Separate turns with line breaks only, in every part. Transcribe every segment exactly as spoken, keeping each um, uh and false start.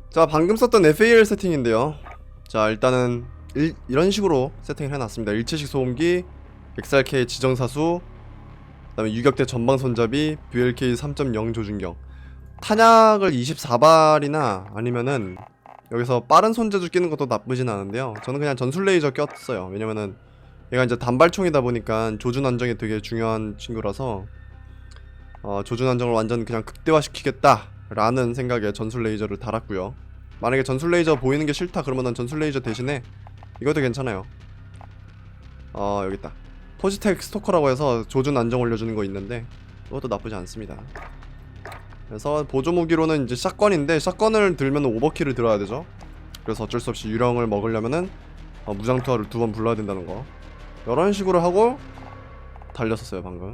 자, 방금 썼던 에프에이엘 세팅인데요. 자, 일단은 일, 이런 식으로 세팅을 해놨습니다. 일체식 소음기, 엑스알케이 지정사수, 그 다음에 유격대 전방 손잡이, 뷰엘케이 삼 점 영 조준경. 탄약을 이십사 발이나 아니면은 여기서 빠른 손재주 끼는 것도 나쁘진 않은데요. 저는 그냥 전술 레이저 꼈어요. 왜냐면은 얘가 이제 단발총이다 보니까 조준 안정이 되게 중요한 친구라서 어, 조준 안정을 완전 그냥 극대화시키겠다 라는 생각에 전술 레이저를 달았고요. 만약에 전술 레이저 보이는 게 싫다 그러면은 전술 레이저 대신에 이것도 괜찮아요. 어, 여기 있다. 포지텍 스토커라고 해서 조준 안정 올려주는 거 있는데 그것도 나쁘지 않습니다. 그래서 보조 무기로는 이제 샷건인데 샷건을 들면 오버킬을 들어야 되죠. 그래서 어쩔 수 없이 유령을 먹으려면은 어, 무장투하를 두 번 불러야 된다는 거. 이런 식으로 하고 달렸었어요 방금.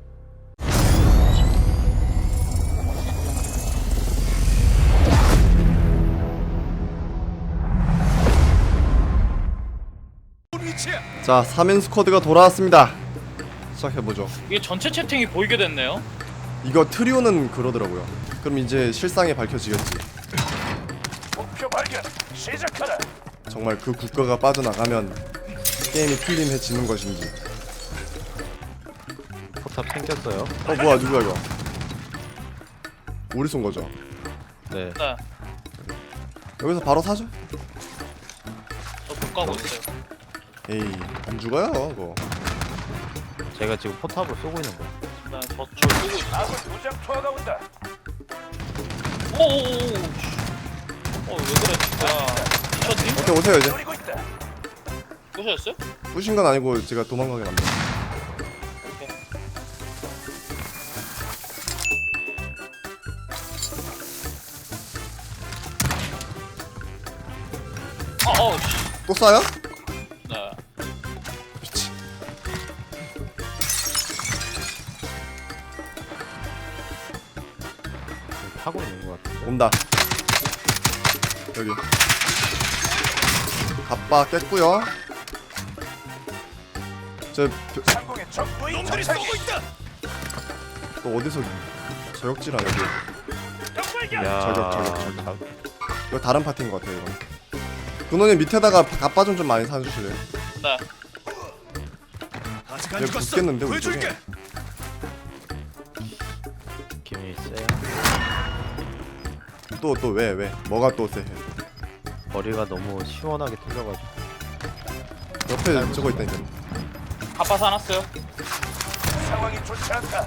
자, 삼 인 스쿼드가 돌아왔습니다. 시작해보죠.
이게 전체 채팅이 보이게 됐네요.
이거 트리오는 그러더라고요. 그럼 이제 실상이 밝혀지겠지.
목표 발견. 시작하라.
정말 그 국가가 빠져나가면 게임이 풀림해지는 것인지.
포탑 생겼어요.
어, 뭐야, 누구야 이거? 우리 쏜 거죠?
네.
네,
여기서 바로 사죠?
저 못 가고 있어요.
에이, 안 죽어요 그거.
제가 지금 포탑을 쏘고 있는 거예요.
네, 저쪽 쓰고 있어.
아군 무장 투하가 온다.
오오오. 어, 왜 그래 진짜. 미쳤니?
오케이, 오세요 이제.
노리고 있다.
보셨어요?
부신 건 아니고 제가 도망가게 만들어.
오케이. 아, 어, 씨.
또 쏴요?
네.
미치.
타고 있는 것 같은데.
온다. 여기. 갑바 깼고요. 저
상공의 적 무인 놈들이 쏘고 있다.
또 어디서 저격질 하냐 여기.
적발견.
야,
저격, 저격, 저격.
자-
이거 다른 파티인 것 같아요 이거. 근원님 밑에다가 갑바 좀 좀 많이 사주실래요?
네.
아직
얘 붙겠는데 우리 쪽에.
느낌이 세요.
또 또 왜 왜? 뭐가 또 세?
머리가 너무 시원하게 뚫려가지고.
옆에 저거 있다니까.
갑바 사놨어요.
상황이 좋지 않다.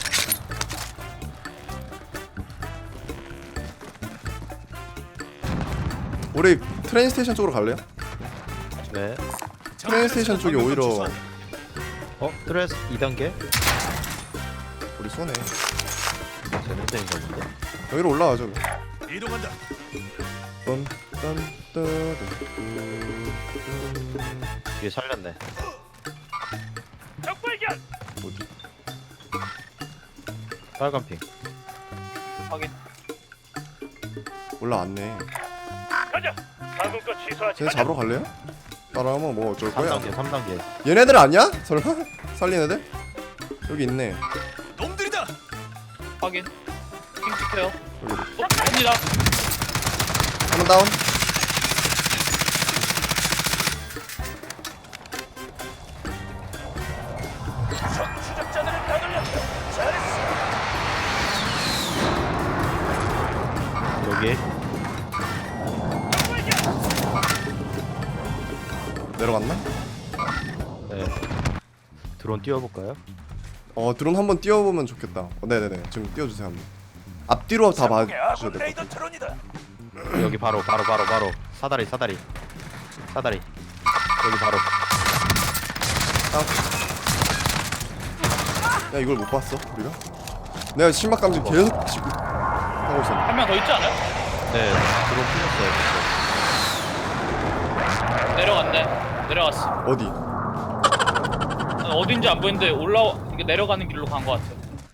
우리 트레인 스테이션 쪽으로 갈래요?
네.
트레인 스테이션 쪽이 오히려
어? 드레스 이 단계?
우리 손해.
재능적인 건데.
여기로 올라가죠.
이동한다.
빰빰따따따.
뒤에 살렸네.
적발견.
어디?
빨간 핑.
확인.
올라왔네.
가자. 방금 거 취소하지.
쟤네 잡으러 갈래요? 따라하면 뭐 어쩔
삼
거야?
단계, 삼 단계.
얘네들 아니야? 설마? 살린 애들? 여기 있네.
놈들이다.
확인. 핑 찍혀요.
여기.
어, 갑니다.
한번 다운.
적 추적자들을 가둘렸다. 잘했어.
여기.
내려갔나?
네. 드론 띄워볼까요?
어, 드론 한번 띄워보면 좋겠다. 어, 네네네. 지금 띄워주세요 한번. 앞뒤로 다
상공의
봐주셔야
아군
될 것
레이더
같아.
트론이다.
여기 바로, 바로, 바로, 바로. 사다리, 사다리. 사다리. 여기 바로.
야, 이걸 못 봤어 우리가? 내가 심박 감지 계속 지금 하고 있었는데.
한 명 더 있지 않아요?
네. 드론 풀렸어요.
내려갔네. 내려갔어.
어디?
어딘지 안 보이는데 올라 이게 내려가는 길로 간 것 같아.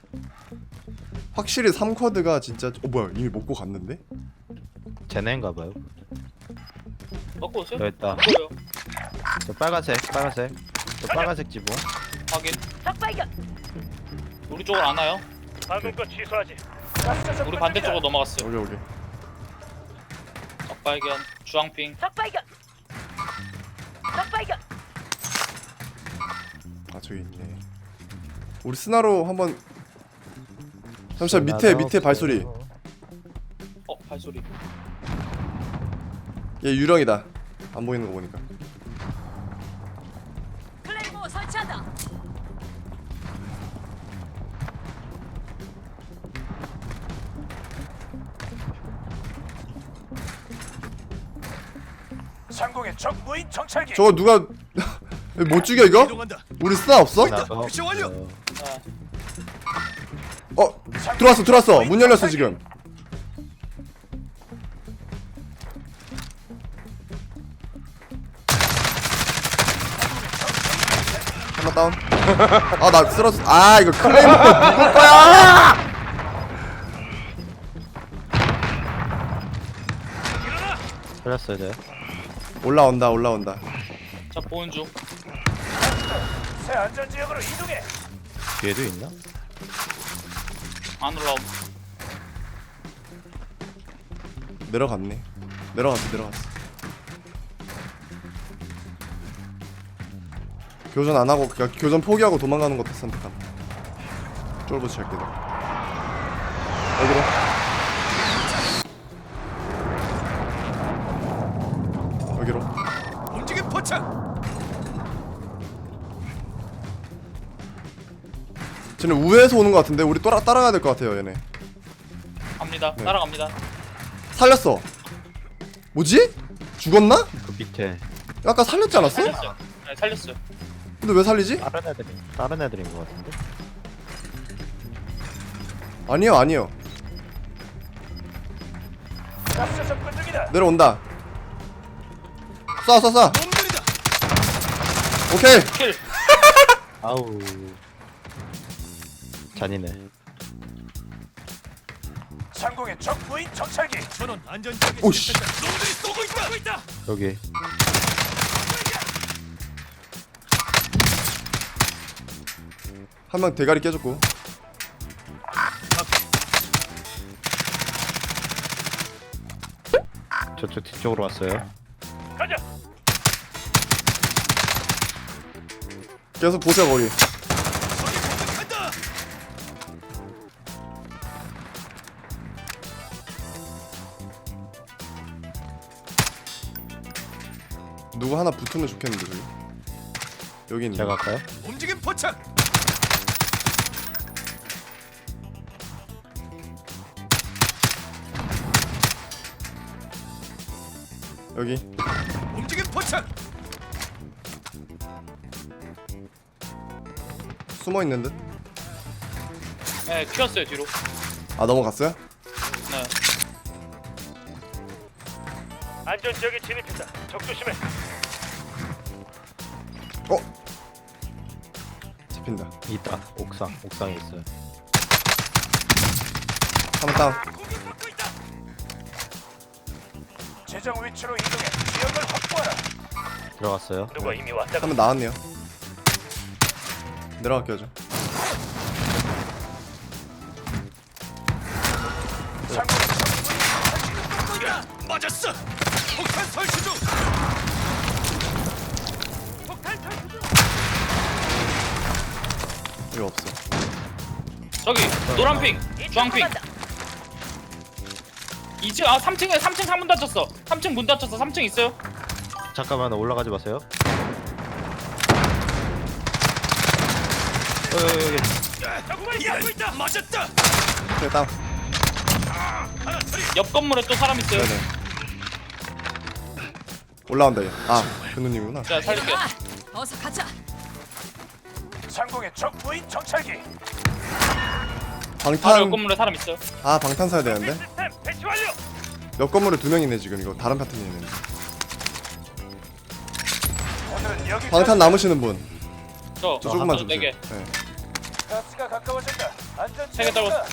확실히 삼 쿼드가 진짜. 어, 뭐야, 이미 먹고 갔는데?
쟤네인가봐요.
먹고 오세요?
여기 있다.
보여.
저 빨간색, 빨간색. 저 빨간색 지붕.
확인. 우리 쪽으로 안 와요.
방금 거 취소하지.
우리 반대쪽으로 넘어갔어요.
여기 여기.
적 발견. 주황핑.
적 발견. 적 발견.
아 저기 있네. 우리 스나로 한번. 잠시만 밑에 밑에 발소리.
어 발소리.
얘 유령이다. 안 보이는 거 보니까.
클레이모 설치한다.
상공의 적 무인 정찰기.
저거 누가 못 죽여 이거?
이동한다.
우리 스나 없어?
나도
미션 완료.
아,
어 들어왔어 들어왔어. 문 열렸어 지금. 하나 다운. 아 나 쓰러졌. 아 이거 클레이모 누굴 거야?
살렸어야 돼.
올라온다 올라온다.
자 보는 중.
새 안전 지역으로 이동해.
뒤에도 있나?
안 올라옴.
내려갔네. 내려갔어 내려갔어. 교전 안 하고 그냥 교전 포기하고 도망가는 것도 선택함. 쫄보 칠게도. 여기로. 여기로.
움직임 포착.
쟤는 우회에서 오는 것 같은데 우리 따라 따라가야 될 것 같아요 얘네.
갑니다.
네.
따라갑니다.
살렸어. 뭐지? 죽었나?
그 밑에
아까 살렸지 않았어?
살렸어요. 네 살렸어요.
근데 왜 살리지?
다른 애들이 다른 애들인 것 같은데.
아니요 아니요.
가스 접근 중이다.
내려온다. 쏴 쏴 쏴.
놈들이다.
오케이.
킬.
아우 잔인해.
상공의 적 무인 정찰기. 전원 안전 지역에
오씨.
진입했다. 놈들이 쏘고 있다. 쏘고 있다.
여기
한 명 대가리 깨졌고.
저쪽 뒤쪽으로 왔어요.
가자.
계속 보세요 거기.
적이 공격한다.
누구 하나 붙으면 좋겠는데 저기. 여기 있네.
제가 갈까요?
움직임 포착.
여기.
움직임 포착.
숨어 있는 듯.
네 튀었어요 뒤로.
아 넘어갔어요?
네.
안전 지역에 진입했다. 적 조심해.
어? 잡힌다.
있다. 옥상 옥상에 있어요.
한번 다운.
공격받고 있다. 재정 위치로 이동해 지역을 확보하라.
들어갔어요.
누가 이미 왔다.
한번 나왔네요. 내려갈게요 저.
상공의 적 무인 정찰기. 야, 맞았어. 폭탄 설치 중. 폭탄 설치 중.
여기 없어.
저기 노란핑. 주황핑.
간다.
이 층 아 삼 층에 삼 층 창문 닫혔어. 삼 층 문 닫혔어. 삼 층 있어요.
잠깐만 올라가지 마세요. 어, 여기, 여기.
야, 적군이 받고 있다. 맞았다.
오케이 다운.
하나 처리.
옆 건물에 또 사람 있어요.
네네. 올라온다 얘. 아 근우님이구나.
자 살릴게요.
아, 어서 가자.
상공의 적 무인 정찰기.
바로 옆
방탄.
건물에 사람 있어요.
아 방탄 사야 되는데.
시스템 배치 완료.
옆 건물에 두 명 있네 지금. 이거 다른 파트너에 있는.
오늘은 여기
방탄 남으시는 분.
저
저 조금만
저
주세요.
네 개.
네.
가스가 가까워진다. 안전
세개
지역이다.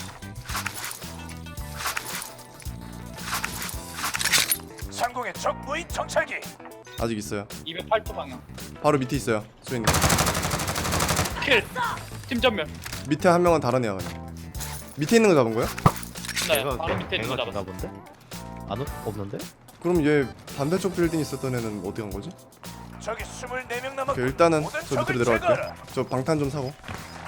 상공의 적 무인 정찰기.
아직 있어요.
이백팔 도 방향.
바로 밑에 있어요. 수인님.
킬. 팀 전멸.
밑에 한 명은 다른 애야 그냥. 밑에 있는 거 잡은 거야?
네.
걔가
바로 밑에 있는 거
걔가
잡았어.
죽나 본데? 안 오, 없는데?
그럼 얘 반대쪽 빌딩 있었던 애는 어디 간 거지?
저기 스물네 명 남았고
오케이, 일단은
모든
저 밑으로
적을
내려갈게요.
제거하라.
저 방탄 좀 사고.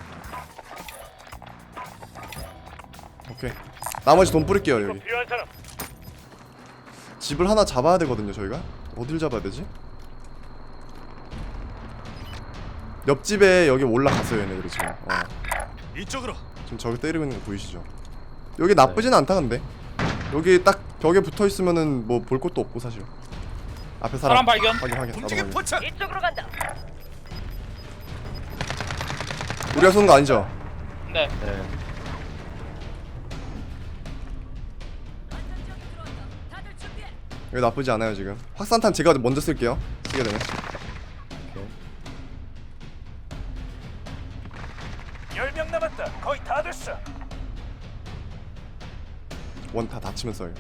오케이. 나머지 돈 뿌릴게요 여기.
필요한 사람.
집을 하나 잡아야 되거든요 저희가. 어딜 잡아야 되지? 옆집에 여기 올라갔어요 얘네들이 지금. 어.
이쪽으로.
지금 저기 때리고 있는 거 보이시죠? 여기 나쁘진 않다 근데. 여기 딱 벽에 붙어 있으면은 뭐 볼 것도 없고 사실. 앞에 사람.
사람 발견.
확인 확인. 나도
움직임
확인.
포착.
이쪽으로 간다.
우리가 쏘는 거 아니죠?
네.
네.
안전지역에 들어왔다. 다들 준비해.
여기 나쁘지 않아요 지금. 확산탄 제가 먼저 쓸게요. 쓰게 되면.
오케이.
열 명 남았다. 거의 다 됐어.
원 다 다치면 써요.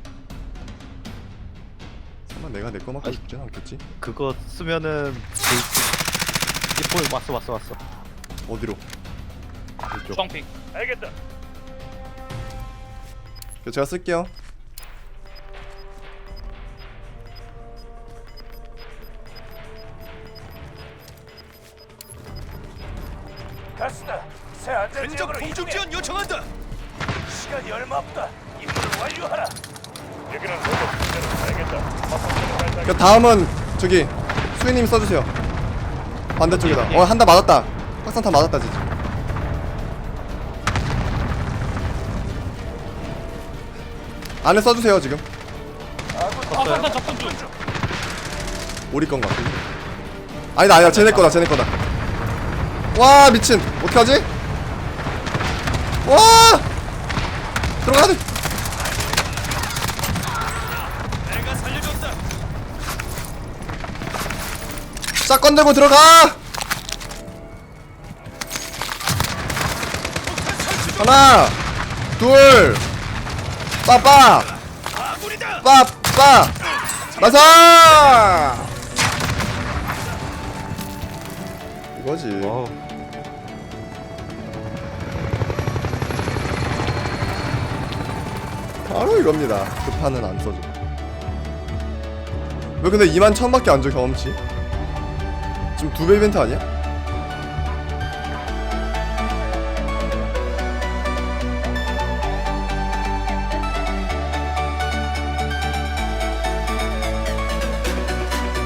설마 내가 내 거 맞고
아이.
죽진 않겠지?
그거 쓰면은 그 이포 왔어 왔어 왔어.
어디로?
이쪽.
주황핑.
알겠다.
그 제가 쓸게요.
가스다. 새 안전지역으로 공중 지원 요청한다. 시간이 얼마 없다. 임무를 완료하라. 여기는 로봇. 알겠다.
그 다음은 저기 수인님 써주세요. 반대쪽에다. 어 한 대 맞았다. 확산탄 맞았다 진짜. 안에 써주세요 지금.
아, 산탄 접근 중.
우리 건가? 아니다 아니다 쟤네 거다 쟤네 거다. 와 미친 어떡하지? 와 들어가야 돼.
내가 살려줬다.
샷건 들고 들어가. 하나 둘 빠빠
아군이다.
빠빠 나사 이거지.
와우.
바로 이겁니다. 급판은 안 써줘. 왜 근데 이만 천밖에 안 줘 경험치? 지금 두 배 이벤트 아니야?